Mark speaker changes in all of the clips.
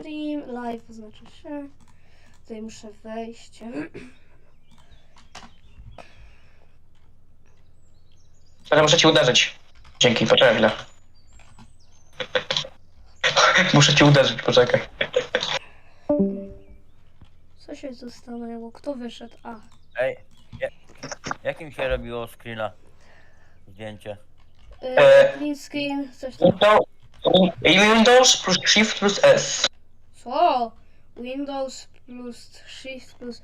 Speaker 1: stream, live oznacza się. Tutaj muszę wejść.
Speaker 2: Ale muszę ci uderzyć. Dzięki, poczekaj chwilę. Muszę ci uderzyć, poczekaj.
Speaker 1: Co się tu stanęło? Kto wyszedł? A.
Speaker 3: Ej, jakim się robiło screena? Zdjęcie.
Speaker 1: Print screen, coś tam.
Speaker 2: Windows plus Shift plus S.
Speaker 1: Co? Windows plus Shift plus...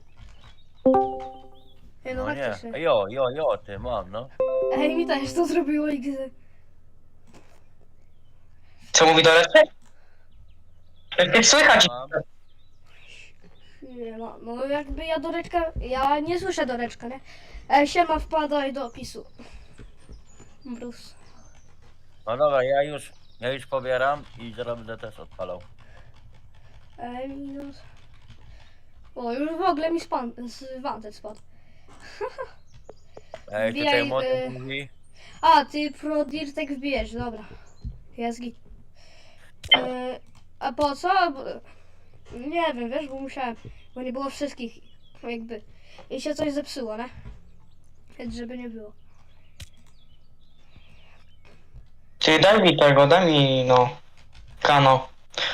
Speaker 1: Ej, no
Speaker 3: No nie.
Speaker 1: faktycznie.
Speaker 3: Jo, ty mam, no.
Speaker 1: Ej, mi też to zrobiło XD.
Speaker 2: Co mówi do reszty? Nie słychać.
Speaker 3: Mam.
Speaker 1: Nie ma, no jakby ja Doreczka, ja nie słyszę Doreczka, nie? Siema, wpadaj do opisu. Bruce.
Speaker 3: No dobra, ja już pobieram i zaraz będę też odpalał.
Speaker 1: Minus. O, już w ogóle mi z Wanted spadł.
Speaker 3: Ej,
Speaker 1: Wbijaj,
Speaker 3: tutaj młody mówi.
Speaker 1: A, ty pro Dirtek wbijesz, dobra. Jest git. A po co? Nie wiem, wiesz, bo musiałem, bo nie było wszystkich, jakby. I się coś zepsuło, nie? Więc żeby nie było.
Speaker 2: Ty daj mi tego, daj mi no. Kano.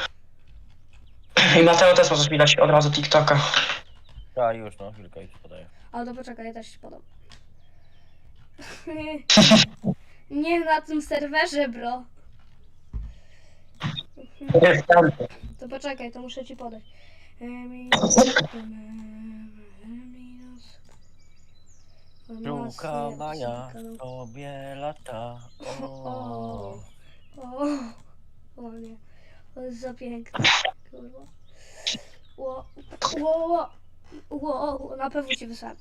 Speaker 2: I Mateo też możesz mi dać od razu TikToka.
Speaker 3: Tak, już no, chwilkę już podaję.
Speaker 1: Ale to poczekaj, ja też się podam. Nie na tym serwerze, bro.
Speaker 2: Jest tam.
Speaker 1: To poczekaj, to muszę ci podać.
Speaker 3: Druga maja sobie lata.
Speaker 1: O, o nie, to jest za piękne, kurwa. Na pewno ci wysłałem.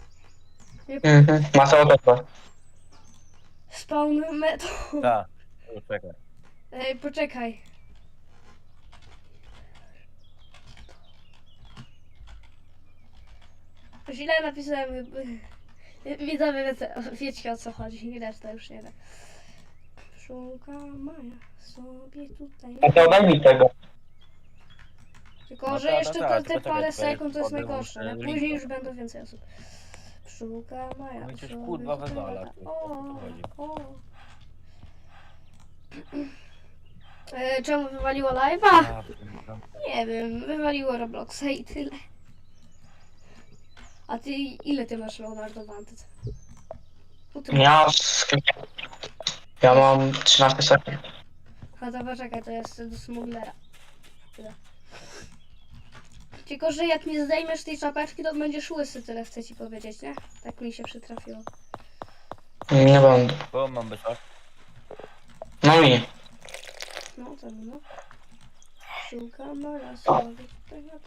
Speaker 2: Mateo też ma.
Speaker 1: Spawn metal.
Speaker 3: Tak, już czekaj.
Speaker 1: Ej, poczekaj. Źle napisałem. Widzowie, wiecie o co chodzi. Reszta już nie wiem. Szukam Maja sobie tutaj.
Speaker 2: Mateo daj mi tego.
Speaker 1: Tylko,
Speaker 3: No
Speaker 1: że
Speaker 3: tak,
Speaker 1: jeszcze
Speaker 3: no tak,
Speaker 1: te
Speaker 3: tylko
Speaker 1: parę
Speaker 3: czekaj,
Speaker 1: sekund to jest
Speaker 3: podam
Speaker 1: najgorsze.
Speaker 3: muszę
Speaker 1: Nie?
Speaker 3: link
Speaker 1: Później już
Speaker 3: podać.
Speaker 1: będą więcej osób. Szukam Maja.
Speaker 3: Mnie coś
Speaker 1: sobie
Speaker 3: kurwa
Speaker 1: tutaj
Speaker 3: wywala,
Speaker 1: lata.
Speaker 3: tu, o co chodzi.
Speaker 1: Czemu wywaliło live'a?
Speaker 3: Ja pierdolę.
Speaker 1: Nie wiem, wywaliło Robloxa i tyle. A ty ile ty masz Leonardo Wanted?
Speaker 2: Ja mam 13 sekund.
Speaker 1: A to poczekaj, to jest do smuglera. Tyle. Tylko, że jak nie zdejmiesz tej czapeczki, to będziesz łysy, tyle chcę ci powiedzieć, nie? Tak mi się przytrafiło.
Speaker 2: Nie będę.
Speaker 3: Bo mam być tak?
Speaker 2: No i.
Speaker 1: No to no. Szukam Maja sobie tutaj lata.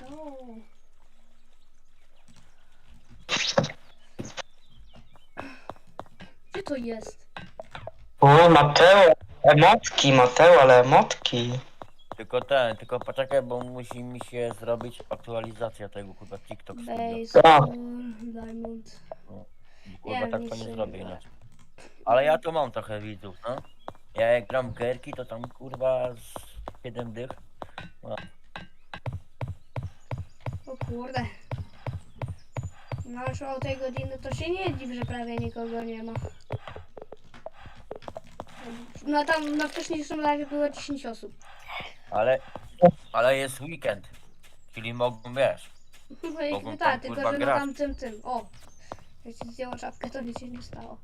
Speaker 1: Gdzie to jest?
Speaker 2: O, Mateo. Emotki, Mateo, ale emotki.
Speaker 3: Tylko poczekaj, bo musi mi się zrobić aktualizacja tego kurwa TikTok Studio.
Speaker 1: Baseball, Diamond.
Speaker 3: Kurwa
Speaker 1: Nie,
Speaker 3: tak
Speaker 1: nic
Speaker 3: to nie
Speaker 1: się
Speaker 3: zrobię
Speaker 1: nie da.
Speaker 3: inaczej. Ale ja to mam trochę widzów, no. Ja jak gram w gierki, to tam kurwa z 7 dych.
Speaker 1: O kurde. No już o tej godziny to się nie dziw, że prawie nikogo nie ma. No tam na wcześniejszym live było 10 osób.
Speaker 3: Ale jest weekend. Czyli mogą, wiesz.
Speaker 1: No i
Speaker 3: Mogą
Speaker 1: tak,
Speaker 3: tam,
Speaker 1: tylko
Speaker 3: kurwa,
Speaker 1: że na
Speaker 3: grać.
Speaker 1: tamtym tym. O! Jak ci zdjęło czapkę, to nic się nie stało.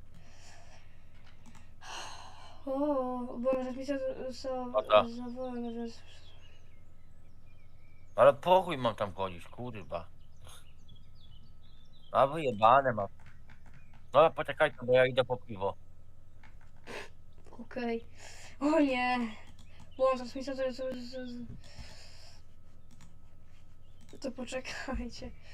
Speaker 1: O, bo może mi
Speaker 3: Oto.
Speaker 1: za wolno, więc...
Speaker 3: Ale po chuj mam tam chodzić, kurwa. A wyjebane mam. No poczekajcie, bo ja idę po piwo.
Speaker 1: Okej. O nie! Włączasz mi to poczekajcie.